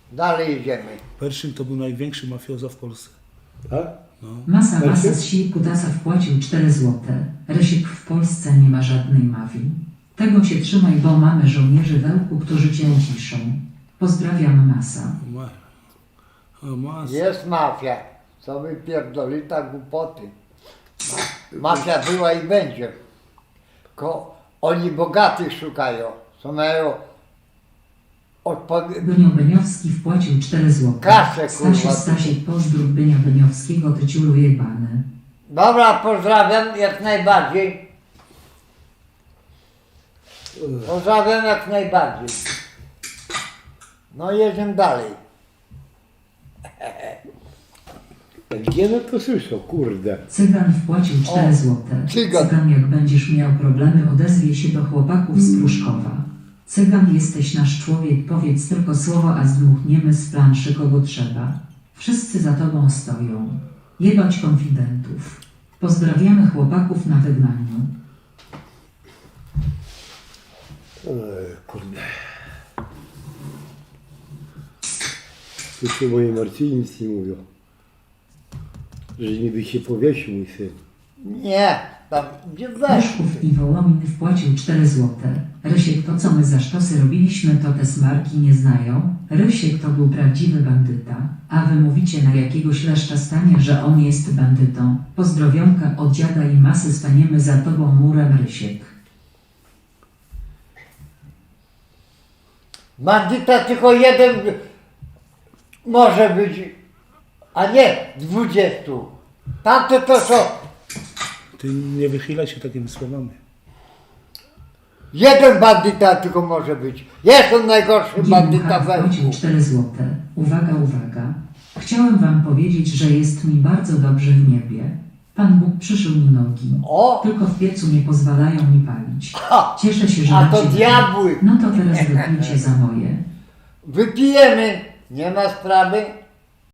Dalej idziemy. Pershing to był największy mafioza w Polsce. Tak? No. Masa z sił kutasa wpłacił 4 złote. Rysiek w Polsce nie ma żadnej mafii. Tego się trzymaj, bo mamy żołnierzy wełku, którzy cię ciszą. Pozdrawiam Masa. Jest mafia. Co wy pierdoli tak głupoty. Mafia była i będzie. Oni bogatych szukają. Co mają Bynio Beniowski wpłacił 4 złote. Kasę, kurwa. Stasiek, pozdrów Bynia Beniowskiego, ty ciulu jebany. Dobra, pozdrawiam jak najbardziej. Pozdrawiam jak najbardziej. No jedziemy dalej. Gdzie no to słyszał, kurde. Cygan wpłacił 4 złote. Cygan. Jak będziesz miał problemy, odezwie się do chłopaków z Pruszkowa. Cygan, jesteś nasz człowiek, powiedz tylko słowo, a zdmuchniemy z planszy kogo trzeba. Wszyscy za tobą stoją. Jebać konfidentów. Pozdrawiamy chłopaków na wygnaniu. Kurde. Słyszę, moje Marcini nic nie mówią. Że niby się powiesił mój syn. Nie, tam gdzie weź. Ryszków i Wołomin wpłacił 4 złote. Rysiek, to co my za sztosy robiliśmy, to te smarki nie znają. Rysiek to był prawdziwy bandyta, a wy mówicie na jakiegoś leszcza stanie, że on jest bandytą. Pozdrowionka od dziada i Masy, staniemy za tobą murem, Rysiek. Bandyta tylko jeden może być, a nie 20. Tamte to są Ty nie wychylaj się takimi słowami. jeden bandyta tylko może być. Jest on najgorszy bandyta we wpłacił łbu. 4 złote. Uwaga, uwaga. Chciałem wam powiedzieć, że jest mi bardzo dobrze w niebie. Pan Bóg przyszył mi nogi. O! Tylko w piecu nie pozwalają mi palić. Ha! Cieszę się, że A to macie- diabły. No to teraz wypijcie za moje. Wypijemy. Nie ma sprawy.